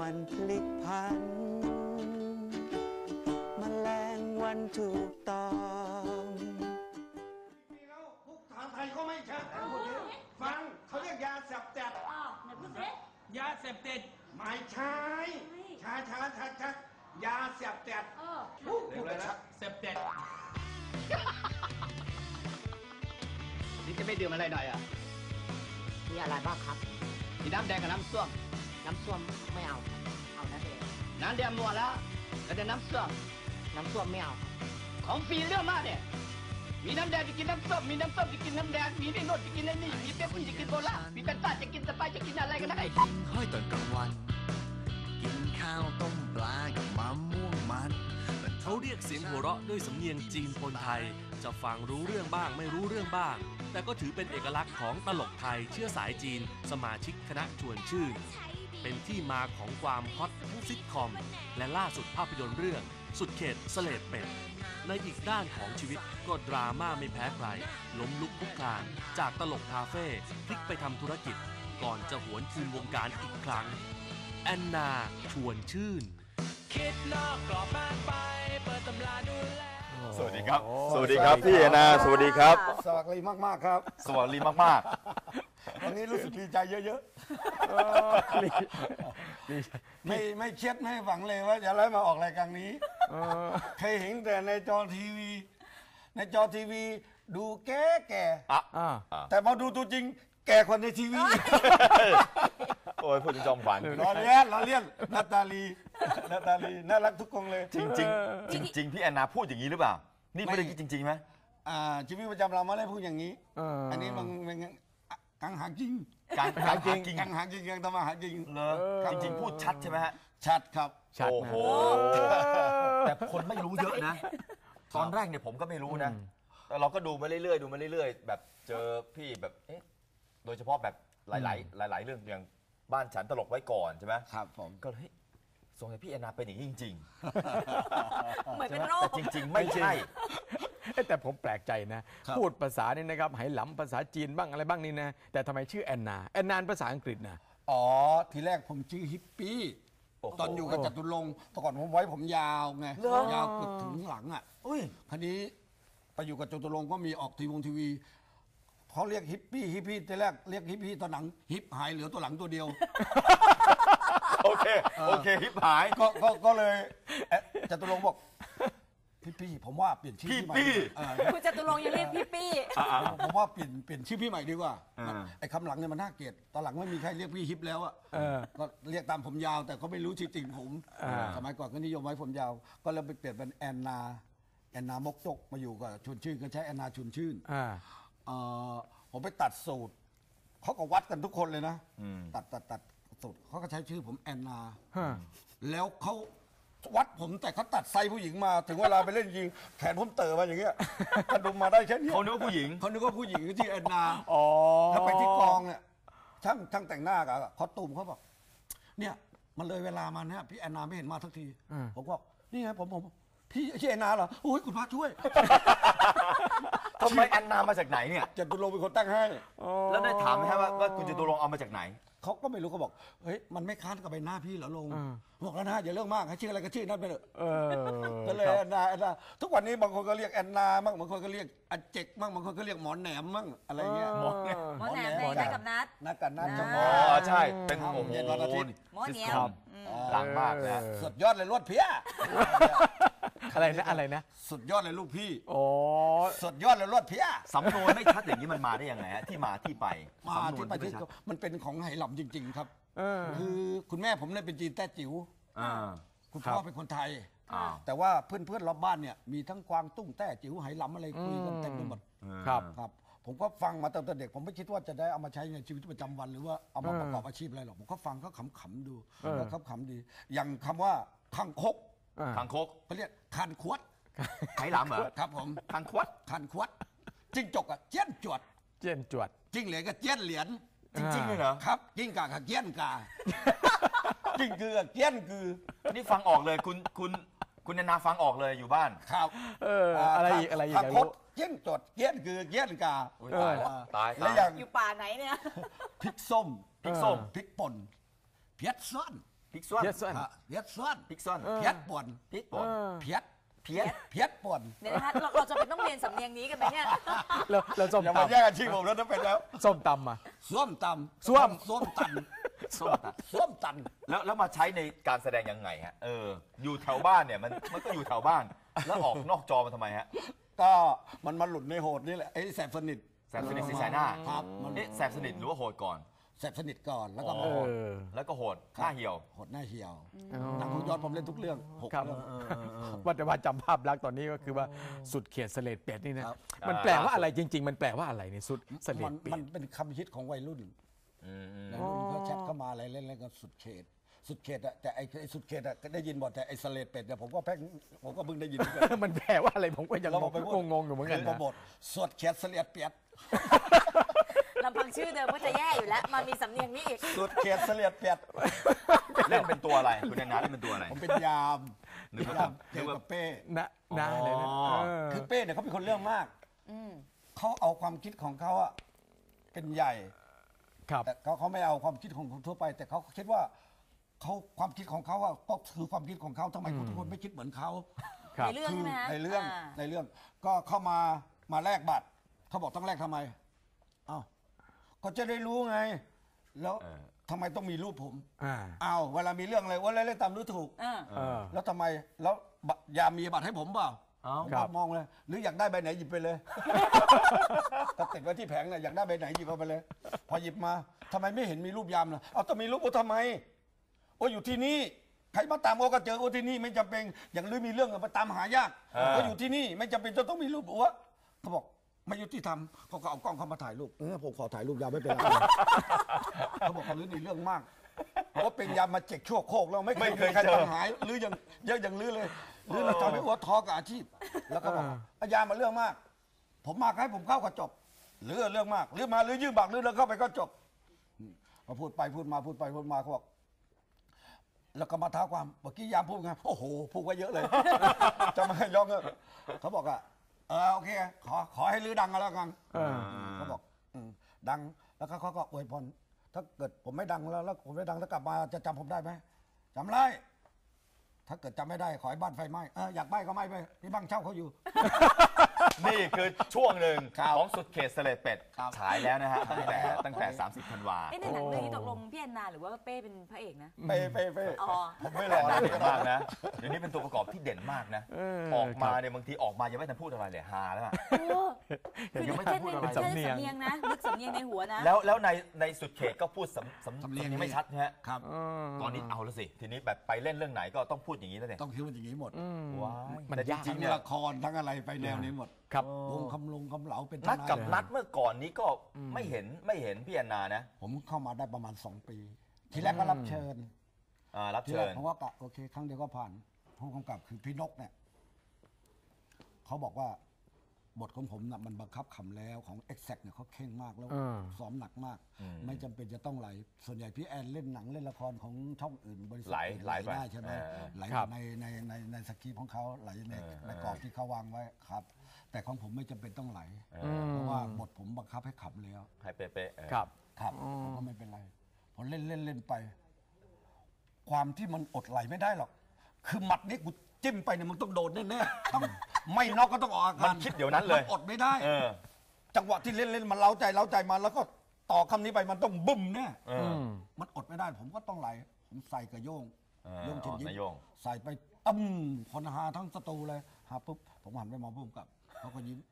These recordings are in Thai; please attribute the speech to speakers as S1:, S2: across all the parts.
S1: มันพลิกพันแมลงวันถูกต้องมีแล้วพวกทหารไทยก็ไม่ชัดฟังเขาเรียกยาเสพติด
S2: ไหนพูดสิ
S3: ยาเสพติด
S1: ไม่ใช่ช้ายาเสพติด
S3: เร็วเลยนะเสพติด
S4: นี่จะไม่ดื่มอะไรหน่อยอ่ะ
S2: มีอะไรบ้างครับ
S4: มีน้ำแดงกับน้ำส้ม
S2: น้ำส้วมไม่เอาเอาน้ำแดง
S4: น้ำแดงหมดแล้วแล้วจะน้ำส้ม
S2: ไม่เอา
S4: ของฟรีเรื่องมากเนี่ยมีน้ำแดงจะกินน้ำส้มมีน้ำส้มจะกินน้ำแดงมีนี่โน่นจะกินนี่มีเป๊ปซี่จะกินโคลามีแฟนต้าจะกินสไปซ์จะกินอะไรกันได้
S5: ค่อยตอนกลางวันกินข้าวต้มปลากับมะม่วงมัน
S6: เขาเรียกเสียงหัวเราะด้วยสำเนียงจีนปนไทยจะฟังรู้เรื่องบ้างไม่รู้เรื่องบ้างแต่ก็ถือเป็นเอกลักษณ์ของตลกไทยเชื้อสายจีนสมาชิกคณะชวนชื่นเป็นที่มาของความฮอตทั้งซิทคอมและล่าสุดภาพยนตร์เรื่องสุดเขตเสลดเป็ดในอีกด้านของชีวิตก็ดราม่าไม่แพ้ใครล้มลุกคลุกคลานจากตลกคาเฟ่พลิกไปทำธุรกิจก่อนจะหวนคืนวงการอีกครั้งแอนนาชวนชื่น
S3: คิดนอกกรอบมากไปเปิดตำราดูแล
S7: สวัสดีครับสวัสดีครับพี่แอนนาสวัสดีครับ
S1: สวัสดีมากๆครับ
S7: สวัสดีมาก
S1: ๆวันนี้รู้สึกดีใจเยอะๆไม่เครียดไม่หวังเลยว่าจะได้มาออกรายการนี้เคยเห็นแต่ในจอทีวีดูแก่แต่มาดูตัวจริงแก่คนในทีวี
S7: โอ้ยพูดถึงจอมขวัญ
S1: ล้อเลียนนาตาลีน่ารักทุกคนเลย
S7: จริงพี่แอนนาพูดอย่างนี้หรือเปล่านี่ไม่ได้คิดจริงๆไหม
S1: ชีวิตประจำเราไม่ได้พูดอย่างนี้อันนี้มันกังหาจริง
S7: กังหาจริง
S1: กังทำมาหาจริง
S7: เลยจริงๆพูดชัดใช่ไหมฮะ
S1: ชัดครับ
S7: โอ้โหแต่คนไม่รู้เยอะนะตอนแรกเนี่ยผมก็ไม่รู้นะแต่เราก็ดูมาเรื่อยๆแบบเจอพี่แบบโดยเฉพาะแบบหลายเรื่องอย่างบ้านฉันตลกไว้ก่อนใช่ไหม
S1: ครับผม
S7: ก็เลยสงสัยพี่แอนนาเป็นอย่างนี้จริง
S2: ๆเหมือนเป็นโรค
S7: แต่จริงๆไม่ใช่
S8: แต่ผมแปลกใจนะพูดภาษานี่นะครับไหหลำภาษาจีนบ้างอะไรบ้างนี่นะแต่ทำไมชื่อแอนนาภาษาอังกฤษนะ
S1: อ๋อทีแรกผมชื่อฮิปปี้ตอนอยู่กับจตุรงค์แต่ก่อนผมไว้ผมยาวไงยาวเกือบถึงหลังอ่ะคราวนี้ไปอยู่กับจตุรงค์ก็มีออกทีวีเขาเรียกฮิปปี้ทีแรกเรียกฮิปปี้ตอนหลังฮิปหายเหลือตัวหลังตัวเดียว
S7: โอเคฮิปหาย
S1: ก็เลยจตุรงค์บอกพี่ผมว่าเปลี่ยนชื่อพี่ใหม่
S2: คุณจตุรงค์ยังเรียกพี่
S1: ผมว่าเปลี่ยนชื่อพี่ใหม่ดีกว่าไอ้คำหลังเนี่ยมันน่าเกลียดตอนหลังไม่มีใครเรียกพี่ฮิปแล้วอ่ะก็เรียกตามผมยาวแต่เขาไม่รู้ชื่อจริงผมสมัยก่อนก็นิยมไว้ผมยาวก็เลยไปเปลี่ยนเป็นแอนนามกจกมาอยู่กับชวนชื่นก็ใช้แอนนาชวนชื่นผมไปตัดสูตรเขาก็วัดกันทุกคนเลยนะตัดสูตรเขาก็ใช้ชื่อผมแอนนาแล้วเขาวัดผมแต่เขาตัดไซส์ผู้หญิงมาถึงเวลาไปเล่นยิงแขนผมเต๋อมาอย่างเงี้ยกระดุมมาได้แค่นี้
S7: เขานึกว่าผู้หญิง
S1: ที่แอนนาแล้วไปที่กองเนี่ยช่างแต่งหน้ากับคอสตูมเขาบอกเนี่ยมันเลยเวลามาเนี่ยพี่แอนนาไม่เห็นมาสักทีผมบอกนี่ไงผมพี่ชื่อแอนนาเหรอโอ้ยคุณพระช่วย
S7: ทำไมแอนนามาจากไหนเนี่ย
S1: จตุรงค์เป็นคนตั้งให้
S7: แล้วได้ถามไหมครับว่าคุณจตุรงค์เอามาจากไหน
S1: เขาก็ไม่รู้เขาบอกเฮ้ยมันไม่ค้านกับใบหน้าพี่เหรอลงบอกแล้วนะอย่าเรื่องมากให้ชื่ออะไรก็ชื่อนั่นไปเถอะก็เลยแอนนาทุกวันนี้บางคนก็เรียกแอนนามั่งบางคนก็เรียกอาเจกมั่งบางคนก็เรียกหมอแหนมมั่งอะไรเงี้ย
S2: หมอแหนมได้กับนัด
S7: ใช่เป็นโอ้โห
S1: วันอาทิตย์
S2: หมอแหนม
S7: หลังมากนะ
S1: สุดยอดเลยรวดเพี้ย
S8: อะไรนะ
S1: สุดยอดเลยลูกพี่
S8: โอ้
S1: สุดยอดเลยรวดเพี้ย
S7: สำนวนไม่ชัดอย่างนี้มันมาได้ยังไงฮะที่มาที่ไป
S1: มันเป็นของไหหลำจริงๆครับคือคุณแม่ผมเนี่ยเป็นจีนแต้จิ๋วคุณพ่อเป็นคนไทยแต่ว่าเพื่อนรอบบ้านเนี่ยมีทั้งกวางตุ้งแต้จิ๋วไหหลำอะไรคุยกันเต็มไปหมดครับผมก็ฟังมาตั้งแต่เด็กผมไม่คิดว่าจะได้เอามาใช้ในชีวิตประจำวันหรือว่าเอามาประกอบอาชีพอะไรหรอกผมก็ฟังก็ขำๆดูแล้วขำดีอย่างคำว่าคังคกเขาเรียกคันขวด
S7: ไหหลำเหรอ
S1: ครับผม
S7: คันขวด
S1: จิ้งจกอะเจี้ยนจวดจิ้งเหรียญก็เจี้ยนเหรียญ
S7: จริงๆเลยเหรอ
S1: ครับจิ้งกากับเจี้ยนกาจิ้งคือกับเจี้ยนคือ
S7: นี่ฟังออกเลยคุณแอนนาฟังออกเลยอยู่บ้าน
S1: ครับ
S8: อะไรอีก
S1: คังคกเจี้ยนจวดเจี้ยนคือเจี้ยนกา
S7: ตาย
S2: แล้วอยู่ป่าไหนเนี่ย
S1: พริกส้มพริกป่นเพี้ยซ่อน
S7: พิกซ่อน
S8: เยสซัน
S1: เพียดซ้อน
S7: พิกซ่อน
S1: เพียดป่วน
S7: พิกป่น
S1: เพียด
S7: เพี้ยน
S1: เพียดป่วน
S2: เดี๋ยวนะคะเราจะเป็นต้องเรียนสำเนียงนี้กันไหมเนี่ย
S8: แล้วส้ม
S1: อย่ามา
S8: ตำ
S1: แย่งอาชีพผมแล้วนะเป็นแล้ว
S8: ส้มตำมา
S1: ส้วมตำ
S8: ส้วม
S1: ส้วมตัน
S7: ส้มตัด
S1: ส้วมตัน
S7: แล้วมาใช้ในการแสดงยังไงฮะอยู่แถวบ้านเนี่ยมันก็อยู่แถวบ้าน แล้วออกนอกจอมาทำไมฮะ
S1: ก็มันมาหลุดในโหดนี่แหละไอ้แสบสนิท
S7: แสบสนิทสีสายหน้า
S1: ครับมัน
S7: แสบสนิทหรือว่าโหดก่อน
S1: แสบสนิทก่อนแล้วก็
S7: อ๋อ
S1: โหด
S7: แล้วก็โหดหน้าเหี่ยว
S1: โหดหน้าเหี่ยวหนังของยอดผมเล่นทุกเรื่องหก
S8: ครับ
S1: เรื่อง
S8: ว่าแต่ว่าจำภาพลักษณ์ตอนนี้ก็คือว่าสุดเขตเสลดเป็ดนี่นะครับ มันแปลว่าอะไรจริง ๆ มันแปลว่าอะไรเนี่ยสุดเสล
S1: มั
S8: ด
S1: น
S8: เป็
S1: มัน
S8: ด
S1: เป็นคำฮิตของวัยรุ่น
S7: อืม
S1: วัยรุ่นเขาแชทเข้ามาอะไรเล่นๆก็สุดเขต สุดเขตอะแต่ไอ้สุดเขตอะก็ได้ยินบ่อยแต่ไอ้เสลดเป็ดเนี่ยผมก็เพิ่งได้ยินเหมือนกัน
S8: มันแปลว่าอะไรผมก็ยัง
S1: เราบอกไปพูด
S8: งงๆอยู่เหมือนกัน
S1: โปร
S8: นะ
S1: โมทสุดเขตเสลดเป็ด
S2: ลำพังชื่อเดิมก็จะแย่อยู่แล้วมามีสำเนียงนี้อีก
S1: สุดเขตเสลดเป็ด
S7: เล่นเป็นตัวอะไรคุณแอนนาเล่นเป็นตัวอะไร
S1: ผมเป็นยาม
S7: นึกว่า
S1: ยามเจอกับเป้
S8: นะเลยนะ
S1: คือเป้เนี่ยเขาเป็นคนเรื่องมาก เขาเอาความคิดของเขาอะเป็นใหญ่
S8: ครับ
S1: แต่เขาไม่เอาความคิดของคนทั่วไป แต่เขาคิดว่าเขาความคิดของเขาอะก็คือความคิดของเขาทำไมคนทุกคนไม่คิดเหมือนเขา
S8: ครับ
S2: ในเรื่อง
S1: คื
S2: ใช่ไหมฮะ
S1: ในเรื่อง
S2: า
S1: ในเรื่องก็เข้ามาแลกบัตรเขาบอกต้องแลกทำไมอ้าวก็จะได้รู้ไง แล้วทำไมต้องมีรูปผม
S8: อ่า
S1: อ้าวเวลามีเรื่องอะไรว่าเล่นตามรู้ถูก
S2: อ่า
S1: แล้วทำไมแล้วยามมีบัตรให้ผมเปล่า ผม
S8: ครับ
S1: มองเลย หรืออยากได้ใบไหนหยิบไปเลย ก็ติดไว้ที่แผงน่ะอยากได้ใบไหนหยิบเอาไปเลย พอหยิบมาทำไมไม่เห็นมีรูปยามล่ะเอาต้องมีรูปโอ้ทำไมโอ้อยู่ที่นี่ใครมาตามโอ้ก็เจอโอ้ที่นี่ไม่จำเป็นอย่างหรือมีเรื่องมาตามหายากโอ้อยู่ที่นี่ไม่จำเป็นจะต้องมีรูปโอ้เขาบอกไม่ยุติธรรมเขาก็เอากล้องเข้ามาถ่ายรูปผมขอถ่ายรูปยามไม่เป็นไร เขาบอกเขาลื้อในเรื่องมากเพราะเป็นยามมาเจ็กชั่วโคกแล้วไม่เคยมีใครทำหายหรือยังเยอะอย่างลื้อเลยหรือเราทำให้อ้วท้อกับอาชีพ แล้วก็บอกอาญามาเรื่องมาก ผมมาให้ผมเข้าก็จบหรือเรื่องมากหรือมาหรือยื่นบักหรือเรื่องเข้าไปก็จบพอพูดไปพูดมาเขาบอกแล้วก็มาท้าความเมื่อกี้ยามพูดไงโอ้โหพูดไว้เยอะเลย จะไม่ให้ร้องเขาบอกอ่ะโอเคขอให้ลือดังกันแล้วกันเขาบอกดังแล้วเขาก็อวยพรถ้าเกิดผมไม่ดังแล้วผมไม่ดังแล้วกลับมาจะจำผมได้ไหมจำได้ถ้าเกิดจำไม่ได้ขอให้บ้านไฟไหม้อยากไหม้ก็ไหม้ไปนี่บ้านเช่าเขาอยู่
S7: นี่คือช่วงหนึ่ง
S1: ครับ
S7: ของสุดเขตเสลดเป็ด
S1: ครับ
S7: ฉายแล้วนะฮะตั้งแต่ 30 ธันวา
S2: เอ๊ะในหนังเรื่องนี้ตกลงพี่แอนนาหรือว่าเป้เป็นพระเอกนะ
S1: เป้
S2: อ๋อ
S1: ผมไม่รอ
S7: เด่
S1: เลย
S7: นมากนะเดี๋ยวนี้เป็นตัวประกอบที่เด่นมากนะ ออกมาเนี่ยบางทีออกมายังไม่ทันพูดอะไรเลยฮาแล้วอะ
S2: คือ
S7: ยังไม่
S2: แค่
S7: ทันพูด
S2: ใน
S7: อะไร
S2: แค่สำเนียงนะนึกสำเนียงในหัวนะ
S7: แล้วในสุดเขตก็พูดสำเนียงไม่ชัดนะฮะ
S1: ครับ
S7: ตอนนี้เอาแล้วสิ ทีนี้แบบไปเล่นเรื่องไหนก็ต้องพูดอย่างนี้แล้วเนี่ย
S1: ต้องคิดว่าอย่างนี้หมด
S7: ว้าย
S8: มัน
S7: แต่จ
S8: ยาก
S7: ริ
S1: ทั้
S7: ง
S1: ง
S7: ๆเนี่ย
S1: ละครทั้งอะไรไปแนวนี้หมด
S8: ครับ
S1: วงคำเหลาเป็นท
S7: นัด
S1: นาย
S7: กับนัดเมื่อก่อนนี้ก็ไม่เห็นพี่แอนนานะ
S1: ผมเข้ามาได้ประมาณ2 ปี ทีแรกก็รับเชิญ
S7: รับ
S1: ที
S7: เชิ
S1: แรก
S7: ญ
S1: ผมว่ากะโอเคครั้งเดียวก็ผ่านผู้กำกับคือพี่นกเนี่ยเขาบอกว่าบทของผมน่ะมันบังคับขำแล้วของ Exact เนี่ยเขาเข่งมากแล้วซ้อมหนักมาก ไม่จำเป็นจะต้องไหลส่วนใหญ่พี่แอนเล่นหนังเล่นละครของช่องอื่นบริษัทอื่น
S7: ไหลไป
S1: ได้ใช่ไหมไหล
S8: ครับ
S1: ในสคริปต์ของเขาไหลในกรอบที่เขาวางไว้ครับ แต่ของผมไม่จำเป็นต้องไหลเพราะว่าบทผมบังคับให้ขำแล้ว
S7: ให้เป๊ะๆ
S8: ครับ
S1: ครับผมก็ไม่เป็นไรผมเล่นไป ความที่มันอดไหลไม่ได้หรอก คือหมัดนี้กูจิ้มไปเนี่ยมึงต้องโดนแน่ๆต้องไม่น็อกก็ต้องออกอาการ
S7: มันคิดเดี๋ยวนั้นเลย
S1: มัอดไม่ได้
S7: เออ
S1: จังหวะที่เล่นมันเล้าใจมาแล้วก็ต่อคำนี้ไปมันต้องบึ้มแน่
S7: เออ
S1: มันอดไม่ได้ ผมก็ต้องไหลผมใส่กระโยง โยงเชิญยิ้ม
S7: นายโยง
S1: ใส่ไปคนหาทั้งสตูเลยหาปุ๊บผมหันไปมองพุ่มกับเขาก็ยิ้ม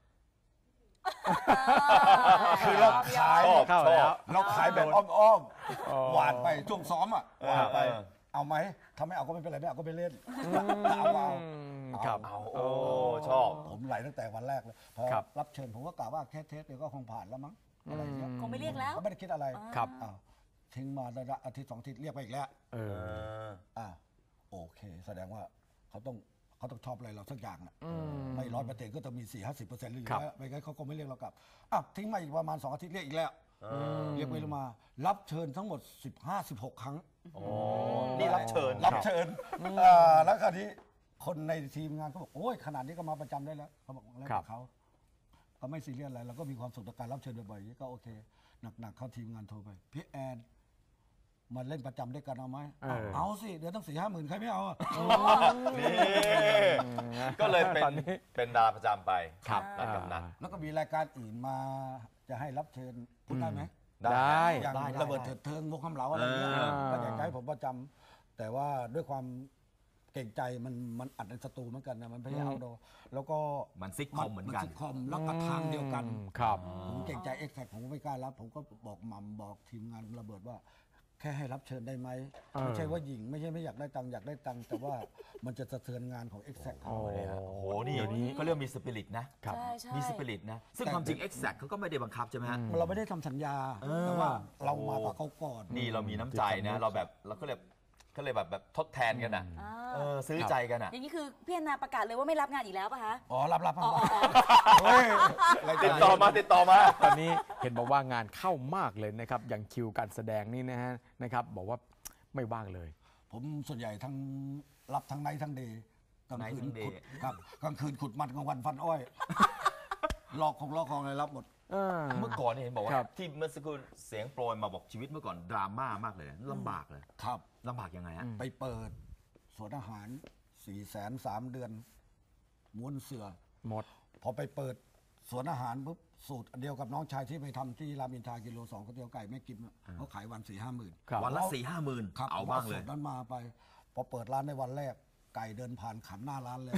S1: คือเราขาย
S8: เข้าแล้ว
S1: เราขายแบบอ้อมๆหวานไปช่วงซ้อมอ่ะหวานไป เอาไหมถ้าไม่เอาก็ไม่เป็นไรไม่เอาก็ไม่เล่นเอา
S8: ครับ
S7: เอาโอ้ชอบ
S1: ผมไหลตั้งแต่วันแรกเลยพอ
S8: ครับ
S1: รับเชิญผมก็กล่าวว่าแค่เทสเดียวก็คงผ่านแล้วมั้งอะไรอย่างเงี้ย
S2: คงไม่เรียกแล้ว
S1: ก็ไม่ได้คิดอะไร
S8: ครับ
S1: อ้าวทิ้งมาได้ละอาทิตย์2 อาทิตย์เรียกไปอีกแล้ว
S8: เออ
S1: โอเค แสดงว่าเขาต้องชอบอะไรเราสักอย่างน่ะไม่100%ก็ต้องมี 40-50%หรืออยู่
S8: ครับ
S1: แล้วไม่งั้นเขาก็ไม่เรียกเรากลับทิ้งมาอีกประมาณ2 อาทิตย์เรียกอีกแล้วเรียกไปมา รับเชิญทั้งหมด 15-16 ครั้ง
S7: นี่รับเชิญ
S1: รับเชิญแล้วคราวนี้คนในทีมงานเขาบอกโอ้ยขนาดนี้ก็มาประจำได้แล้วเขาบอกแล้ว
S8: ครับ
S1: เขาก็ไม่ซีเรียสอะไรเราก็มีความสุขกับการรับเชิญบ่อยๆก็โอเคหนักๆเขาทีมงานโทรไปพี่แอนมาเล่นประจำด้วยกันเอาไหม
S8: เอา
S1: สิเดือนตั้ง4-5 หมื่นใครไม่เอาอะ
S7: นี่ก็เลยเป็นดาราประจำไป
S8: ครับ
S7: ร้านกำนัน
S1: แล้วก็มีรายการอื่นมาจะให้รับเชิญพูดได้ไหม
S8: ได้
S1: อย่างระเบิดเถิดเทิงวงคำเหลาอะไรเงี้ยก็อยากให้ผมประจำแต่ว่าด้วยความเก่งใจมันอัดในสตูเหมือนกันนะมันไม่ใช่เอาโดแล้วก็
S7: มันซิทคอมเหมือนกัน
S1: ซิทคอมแล้วก็ทางเดียวกัน
S8: ครับ
S1: ผมเก่งใจเอ็กแซกผมก็ไม่กล้ารับ ผมก็บอกหม่ำบอกทีมงานระเบิดว่า แค่ให้รับเชิญได้ไหมไม่ใช่ว่าหญิงไม่ใช่ไม่อยากได้ตังค์อยากได้ตังค์แต่ว่ามันจะสะเทือนงานของเอ็กแซกเขา
S7: โอ้โหนี่ก็เรียกมีสปิริตนะ
S8: ครับ
S2: ใช่ใช่
S7: มีสปิริตนะ ซึ่งความจริง Exact เขาก็ไม่ได้บังคับใช่ไหมฮะ
S1: เราไม่ได้ทำสัญญาแต่ว่าเรามากับเขาก่อน
S7: นี่เรามีน้ำใจนะ เราแบบเราก็เลยแบบทดแทนกันอ่ะ ซื้อใจกันอ่ะ
S2: อย่างนี้คือพี่แอนนาประกาศเลยว่าไม่รับงานอีกแล้วป่ะคะ
S1: อ๋อรับ
S2: อ๋อ
S1: เฮ้ย
S7: ติดต่อมา
S8: ตอนนี้เห็นบอกว่างานเข้ามากเลยนะครับ อย่างคิวการแสดงนี่นะฮะนะครับบอกว่าไม่ว่างเลย
S1: ผมส่วนใหญ่ทั้งรับทั้งไนท์ทั้งเดย์กลางคืน
S7: Night ทั้ง day
S1: ขุดครับกลางคืนขุดมันกลางวันฟันอ้อยลอกของอะไรรับหมด
S7: เมื่อก่อนเนี่ยเห็นบอกว่า
S8: ครับ
S7: ที่เมื่อสักครู่เสียงโปรยมาบอกชีวิตเมื่อก่อนดราม่ามากเลยลำบากเลย
S1: ครับ
S7: ลำบากยังไงฮะ
S1: ไปเปิดสวนอาหาร 400,003 เดือนม้วนเสือ
S8: หมด
S1: พอไปเปิดสวนอาหารปุ๊บสูตรเดียวกับน้องชายที่ไปทำที่รามอินทรากิโล2ก๋วยเตี๋ยวไก่แม่กิมอะเขาขายวัน 4-5 หมื่น
S8: ครับ
S7: วันละ 4-5 หมื่น
S1: ครับ
S7: เอาบ้างเลย
S1: สูตรนั้นมาไป พอเปิดร้านในวันแรก ไก่เดินผ่านขันหน้าร้านเลย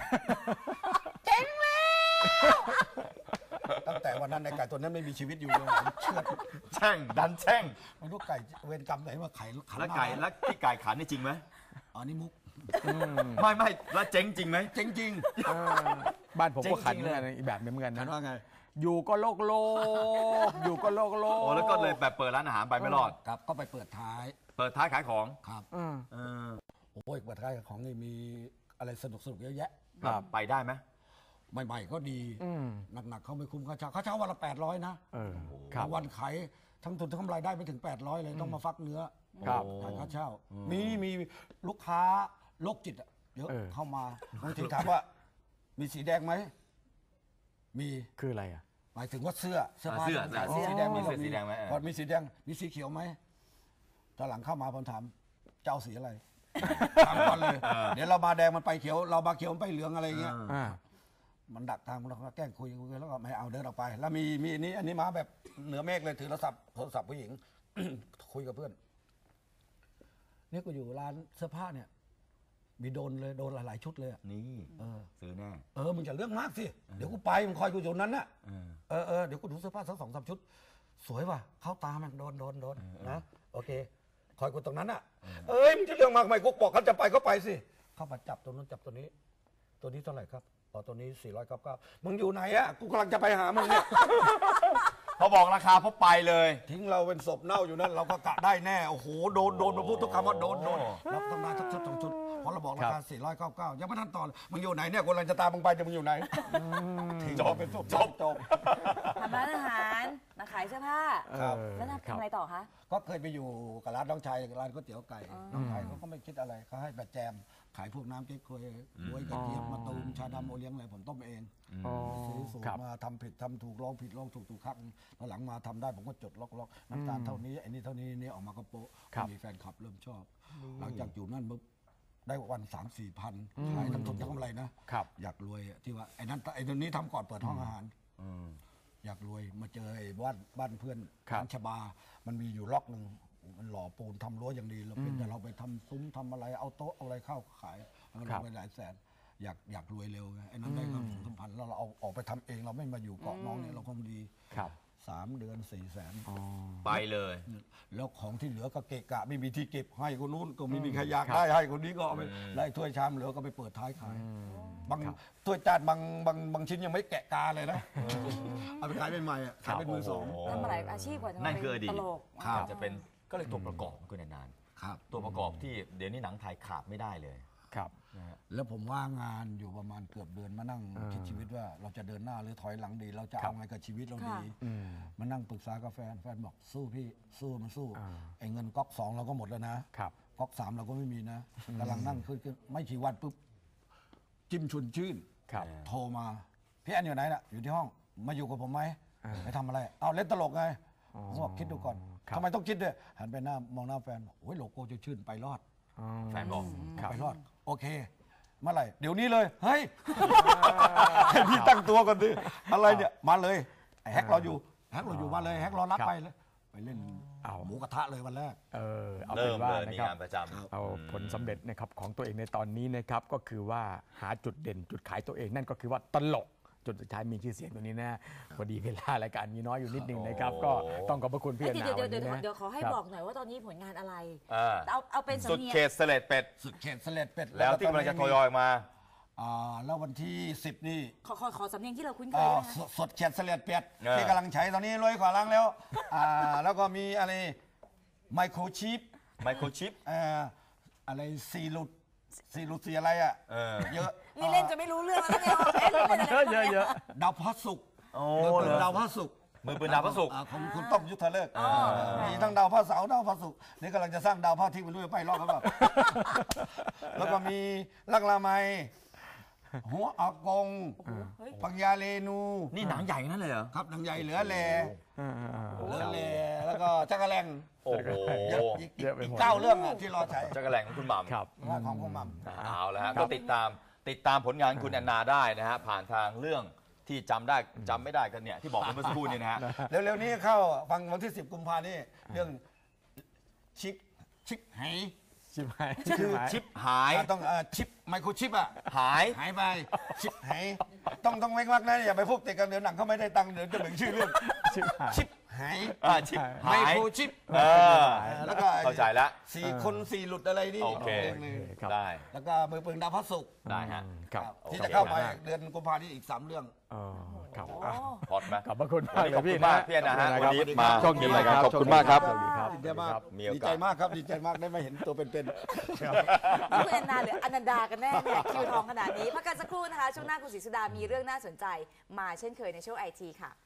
S1: ตั้งแต่วันนั้นในไก่ตัวนั้นไม่มีชีวิตอยู่เลยผมเชื่อด
S7: แช่งดันแช่ง
S1: ไม่รู้ไก่เวรกรรมไหนมาไข่ขันห
S7: แล้ว
S1: น้า
S7: ไก่แล้วที่ไก่ขันนี่จริงไหม
S1: อ๋อนี่มุก
S7: ไม่แล้วเจ๊งจริงไหม
S1: จริง
S8: บ้านผมก็ขัน
S7: จริงๆเลย
S8: อีกแบบนึงเหมือนกัน
S1: ๆฉัน
S8: นะ
S1: ว่าไง
S8: อยู่ก็โลกอยู่ก็โลก
S7: โอ้แล้วก็เลยแบบเปิดร้านอาหารไปไม่รอด
S1: ครับก็ไปเปิดท้าย
S7: เปิดท้ายขายของ
S1: ครับ
S7: เออ
S1: โอ้ยเปิดท้ายของนี่มีอะไรสนุกเยอะแยะ
S8: ครับ
S7: ไปได้ไหม
S1: ใหม่ๆก็ดีหนักๆเขาไม่คุ้มค่าเช่าวันละ800นะ
S8: ครับ
S1: วันขายทั้งทุนทั้งกำไรได้ไม่ถึง800เลยต้องมาฟักเนื้อ
S8: ครับ
S1: ขายค่าเช่ามีลูกค้าโรคจิตอะเยอะ
S8: เออ
S1: เข้ามาบางทีถามว่า มีสีแดงไหมมี
S8: คืออะไรอ่ะ
S1: หมายถึงว่าเสื้อผ้า
S7: เสื้อ
S1: ขายสีแดง
S7: มี
S1: มี
S7: เสื้อสีแดงไหม
S1: พอมีสีแดงมีสีเขียวไหมตอนหลังเข้ามาผมถามเจ้าสีอะไรถามก่อนเลย เดี๋ยวเรามาแดงมันไปเขียว เรามาเขียวมันไปเหลืองอะไรเงี้ย มันดักทางเราก็แกล้งคุยแล้วก็ไม่เอาเดินออกไป แล้วมีอันนี้มาแบบเหนือเมฆเลยถือโทรศัพท์ผู้หญิง คุยกับเพื่อนนี่ก็อยู่ร้านเสื้อผ้าเนี่ยมีโดนหลายๆชุดเลยอะ
S7: นี่ซื้อแน่
S1: มึงอย่าเรื่องมากสิเดี๋ยวกูไปมึงคอยกูอยู่นั้นน่ะเดี๋ยวกูดูเสื้อผ้าสัก2-3 ชุด สวยว่ะเข้าตามันโดนนะโอเค คอยกูตรงนั้นน่ะมึงจะเรื่องมากไหมกูบอกเขาจะไปก็ไปสิเข้ามาจับตัวนู้นจับตัวนี้เท่าไหร่ครับตัวนี้499มึงอยู่ไหนอะกูกำลังจะไปหามึงเนี่ย
S7: พอบอกราคาพบไปเลย
S1: ทิ้งเราเป็นศพเน่าอยู่นั่นเราก็กะได้แน่โอ้โหโดนมาพูดทุกคำว่าโดนเราต้องได้ทุกชุด2 ชุดเพราะเราบอกราคา499ยังไม่ทันต่อเลยมึงอยู่ไหนเนี่ยกูกำลังจะตามมึงไปจะมึงอยู่ไหนทิ้งเราเป็นศพจบ
S2: ทำร้านอาหารมาขายเสื้อผ้า
S1: ครับ
S2: แล้วทำอะไรต่อคะ
S1: ก็เคยไปอยู่กับร้านน้องชายร้านก๋วยเตี๋ยวไก่น้องชายเขาก็ไม่คิดอะไรเขาให้แบบแจมขายพวกน้ำเก๊กควยบวยกระเทียมมะตูมชาดำโอเลี้ยงอะไรผมต้มเองซื้อสูตรมาทำผิดทำถูกลองผิดลองถูกครั้งตอนหลังมาทำได้ผมก็จดล็อกน้ำตาลเท่านี้ไอ้นี่เท่านี้นี่ออกมาก็โป๊ะมีแฟนคลับเริ่มชอบ หลังจากอยู่นั่นปุ๊บได้วัน 3-4 พันขายทั้งทุนทั้งกำไรนะอยากรวยที่ว่าไอ้ตัวนี้ทำก่อนเปิดห้องอาหารอยากรวยมาเจอไอ้บ้านเพื่อนร้านชบามันมีอยู่ล็อกหนึ่งมันหล่อปูนทำรั้วอย่างดีเราเป็นแต่เราไปทำซุ้มทำอะไรเอาโต๊ะเอาอะไรเข้าขายมันลงไปหลายแสนอยากรวยเร็วไงไอ้นั้นได้ก็ถึงพันแล้วเราเอาออกไปทำเองเราไม่มาอยู่เกาะน้องเนี่ยเราคงดี3 เดือน400,000
S7: ไปเลย
S1: แล้วของที่เหลือก็เกะกะไม่มีที่เก็บให้คนนู้นก็ไม่มีใครอยากได้ให้คนนี้ก็เอาไปไล่ถ้วยชามเหลือก็ไปเปิดท้ายขายบางถ้วยจานบางชิ้นยังไม่แกะกาเลยนะเอาไปขายใหม่ๆขายเป็นมือสอง
S2: ทำมาหลายอาชีพกว่าจะมา
S7: นั่นคืออดี
S2: ต
S7: ต
S2: ลก
S7: จะเป็นก็เลยตัวประกอบก็นานๆตัวประกอบที่เดี๋ยวนี้หนังไทยขาดไม่ได้เลย
S1: แล้วผมว่างงานอยู่ประมาณเกือบเดือนมานั่งคิดชีวิตว่าเราจะเดินหน้าหรือถอยหลังดี เราจะเอาไงกับชีวิตเราดีมานั่งปรึกษากับแฟนบอกสู้พี่สู้มันสู้ไอ้เงินก๊อก2เราก็หมดแล้วนะก๊อก3เราก็ไม่มีนะกำลังนั่งขึ้นไม่กี่วันปุ๊บจิ้มชวนชื่นโทรมาพี่แอนอยู่ไหนน่ะอยู่ที่ห้องมาอยู่กับผมไหมไปทำอะไรเอาเล่นตลกไงผมบอกคิดดูก่อน
S8: ครับ
S1: ทำไมต้องคิดด้วยหันไปหน้ามองหน้าแฟนบอกโอ้ยโลโก้จะชื่นไปรอด
S7: แฟนบอก
S8: ครับ
S1: ไปรอด โอเค เมื่อไหร่ เดี๋ยวนี้เลย เฮ้ย ให้พี่ตั้งตัวก่อนสิอะไรเนี่ย มาเลยไอ้แฮกรออยู่แฮกรออยู่มาเลยแฮกรอรับไปเลย ไปเล่น
S8: เอา
S1: หมูกระทะเลยวันแรก
S8: เอา
S7: เริ่
S8: เป็น
S7: ม
S8: ว่า
S7: เลย
S8: นะ
S7: มี
S8: ครับ
S7: งานประจำ
S8: เอาผลสำเร็จนะครับของตัวเองในตอนนี้นะครับก็คือว่าหาจุดเด่นจุดขายตัวเองนั่นก็คือว่าตลกจุดสุดท้ายมีชื่อเสียงตัวนี้นะพอดีเวลารายการมีน้อยอยู่นิดหนึ่งนะครับ
S7: โอ้
S8: ก็ต้องขอบพระคุณพี่แอน
S2: เดี๋
S8: นา
S2: ยว
S8: วัน
S2: เดี๋ยว
S8: นี้นะ
S2: เดี๋ยวขอให้
S8: ครับ
S2: บอกหน่อยว่าตอนนี้ผลงานอะไร
S7: อ่า
S2: เอาเป็น
S7: สุด
S2: สำเนียง
S7: เขตเสล็ดเป็ด
S1: สุดเขตเสล็ดเป็ด
S7: แล้วที่กำลังจะทยอยออกมา
S1: แล้ววันที่ 10 นี่
S2: ขอสำเนียงที่เราคุ้นเคยได้ไหมคะ
S1: สดเขตเสล็ดเป็ด
S7: เออ
S1: ที่กำลังใช้ตอนนี้รวยกว่าล้างแล้วแล้วก็มีอะไรไมโครชิป
S7: ไมโครชิป
S1: อะไรซีรุดสีอะไรอ่ะ เยอะ
S2: นี่เล่นจะไม่รู้เรื่องแล้วเนี่ยเอ๊ะเล่นอะไรบ้างนี่
S8: เยอะ
S1: ดาวพระศุกร์
S7: โอ้
S1: มือปื
S7: เหร
S1: น
S7: อ
S1: ดาวพระศุกร์
S7: มือปืนดาวพระศุกร์
S1: ของคุณต้อมยุทธเลิกมีทั้งดาวพระเสาร์ดาวพระศุกร์นี่กำลังจะสร้างดาวพระอาทิตย์ไม่รู้จะไปรอดหรือเปล่า แล้วก็มีลักลาไมหัวอากง ปังยาเรนู
S7: นี่หนังใหญ่นั่นเลยเหรอ
S1: ครับหนังใหญ่เหลือแล
S8: ๆ
S1: เหลือแลแล้วก็จักรแลง
S7: โอ้โห
S1: เยอะอีก
S8: เยอะไปหมด
S1: 9 เรื่องอะที่รอใช้
S7: จักรแหล่งของคุณหม่ำ
S8: ครับ
S1: ของคุณหม่ำ
S7: เอาแล้วฮะก็ติดตามผลงานคุณแอนนาได้นะฮะผ่านทางเรื่องที่จำได้จำไม่ได้กันเนี่ยที่บอกไปเมื่อสักครู่นี่นะฮะ
S1: เร็วๆนี้เข้าฟังวันที่ 10 กุมภานี่เรื่องชิปไห
S8: ชิบหาย
S7: คือชิปหาย
S1: ต้องชิปไมโครชิปอะ
S7: หาย
S1: หายไปชิปไหต้องเว้นวรรคนะอย่าไปพูดติดกันเดี๋ยวหนังเขาไม่ได้ตังค์เดี๋ยวจะเหมือนชื่อเรื่อง
S8: ชิบหาย
S1: ชิปไห
S7: ชิป
S1: ไม
S7: หาย
S1: โครชิป
S7: เออ
S1: แล้วก็
S7: เข้าใจแล้ว
S1: 4 คน 4 หลุดอะไรนี่
S7: โอเค
S1: หนึ่ง
S8: ครับ
S7: ได้
S1: แล้วก็มือปืนดาวพระศุกร์
S7: ได้ฮะ
S8: ครับ
S1: ที่
S7: โอเค
S1: จะเข้าไปเดือนกุมภาพันธ์นี้อีก 3 เรื่อง
S8: ครับ
S7: พอดไหม
S8: ขอบพระคุณ
S7: วัน
S8: มาก
S7: นี้
S8: เล
S7: ข
S8: ย
S7: อบ
S8: พี่
S7: คุณ
S8: นะ
S7: มากพี่แอนนาฮะ
S8: ครับ
S7: วันนี้มา
S8: โชคดีมากครับ
S7: ขอบคุณมากครับ
S8: สวัสดีครับ
S1: ดีใจมาก
S7: มีโอกาส
S1: ดีใจมากครับดีใจมากได้มาเห็นตัวเป็น
S2: คุณแอนนาหรืออนันดากันแน่เนี่ยคิวทองขนาดนี้พักกันสักครู่นะคะช่วงหน้าคุณศรีสุดามีเรื่องน่าสนใจมาเช่นเคยในช่วงไอทีค่ะ